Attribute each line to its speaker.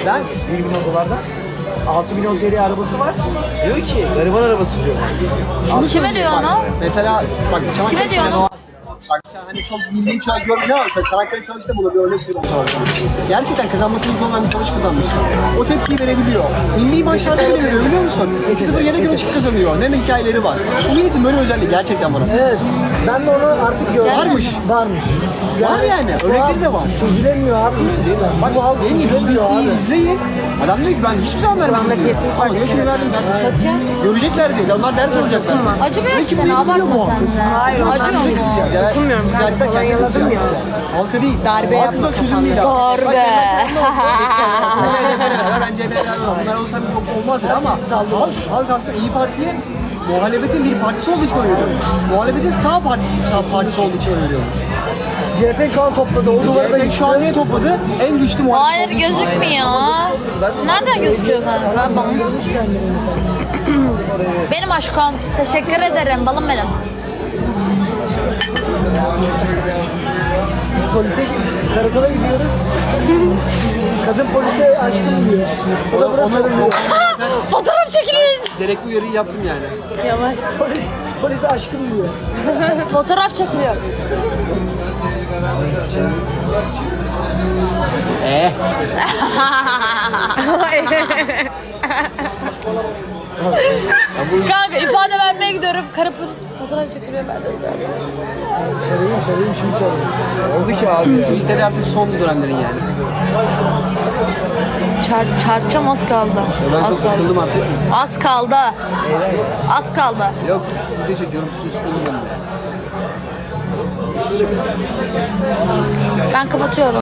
Speaker 1: Ben 1 milyon dolardan 6 milyon TL arabası var. Diyor ki gariban arabası diyor.
Speaker 2: Şunu kime diyor onu?
Speaker 1: Mesela bak Çanakkale
Speaker 2: Kime diyor
Speaker 1: Savaşı-
Speaker 2: onu?
Speaker 1: Bak hani çok milli şu an görmüyor ama Çanakkale Savaşı'nda buna bir örnek veriyorum savaşta. Gerçekten kazanması mümkün olan bir savaş kazanmış. O tepkiyi verebiliyor. Milli maçlarda bile veriyor biliyor musun? 2-0 yere göre çık kazanıyor. Ne hikayeleri var. Bu milletin böyle özelliği gerçekten var aslında.
Speaker 3: Evet. Ben de onu artık gördüm.
Speaker 1: Varmış.
Speaker 3: Varmış.
Speaker 1: Var yani. Örnekleri de var.
Speaker 3: Çözülemiyor abi.
Speaker 1: Bak
Speaker 3: Bu halk
Speaker 1: benim gibi
Speaker 3: çözülemiyor
Speaker 1: BBC'yi
Speaker 3: abi.
Speaker 1: izleyin. Adam diyor ki ben hiçbir zaman vermedim.
Speaker 2: Kulağımda
Speaker 1: diyor.
Speaker 2: piercing
Speaker 1: Ama
Speaker 2: var,
Speaker 1: diyor şimdi verdim kardeşim.
Speaker 2: Bakayım.
Speaker 1: Görecekler diyor. Onlar ders alacaklar.
Speaker 2: Acımıyor ki
Speaker 1: Kim
Speaker 2: sen,
Speaker 1: ne biliyor
Speaker 2: abartma
Speaker 1: bu?
Speaker 2: sen de.
Speaker 4: Hayır, ondan
Speaker 2: Acıyor
Speaker 4: değil.
Speaker 2: mu?
Speaker 1: Ya,
Speaker 4: Dokunmuyorum, ben
Speaker 1: siyasetten
Speaker 4: kolonyaladım
Speaker 1: kendiniz
Speaker 4: ya.
Speaker 1: Halka değil.
Speaker 4: Darbe
Speaker 1: Halkı
Speaker 4: yapma
Speaker 1: bak çözüm değil.
Speaker 2: Darbe.
Speaker 1: Bence bunlar olsa bir yok olmaz ya ama halk aslında İyi Parti'ye muhalefetin bir partisi olduğu için oynuyormuş. Muhalefetin sağ partisi olduğu için oynuyormuş.
Speaker 3: CHP şu an topladı. O duvarda
Speaker 1: CHP şu an ne topladı? En güçlü muhalefet
Speaker 2: Hayır
Speaker 1: olduğu için.
Speaker 2: gözükmüyor. Nereden gözüküyor kanka? Bana. Benim aşkım. Teşekkür ederim balım benim.
Speaker 3: Biz polise karakola gidiyoruz. Kadın polise aşkım diyor. O da burası diyor.
Speaker 2: Fotoğraf çekiliyoruz.
Speaker 1: Gerekli uyarıyı yaptım yani.
Speaker 2: Yavaş.
Speaker 3: Polise aşkım diyor.
Speaker 2: Fotoğraf çekiliyor. Kanka ifade vermeye gidiyorum. Karı fotoğraf çekiliyor ben de söyleyeyim.
Speaker 3: Söyleyeyim şimdi söyleyeyim.
Speaker 1: Oldu ki abi ya. Şu işleri artık son dönemlerin yani.
Speaker 2: Çarpacağım az kaldı.
Speaker 1: Ben çok
Speaker 2: Az kaldı.
Speaker 1: sıkıldım artık.
Speaker 2: Az kaldı. Az kaldı.
Speaker 1: Yok video çekiyorum sus sıkıldım ben de.
Speaker 2: Ben kapatıyorum.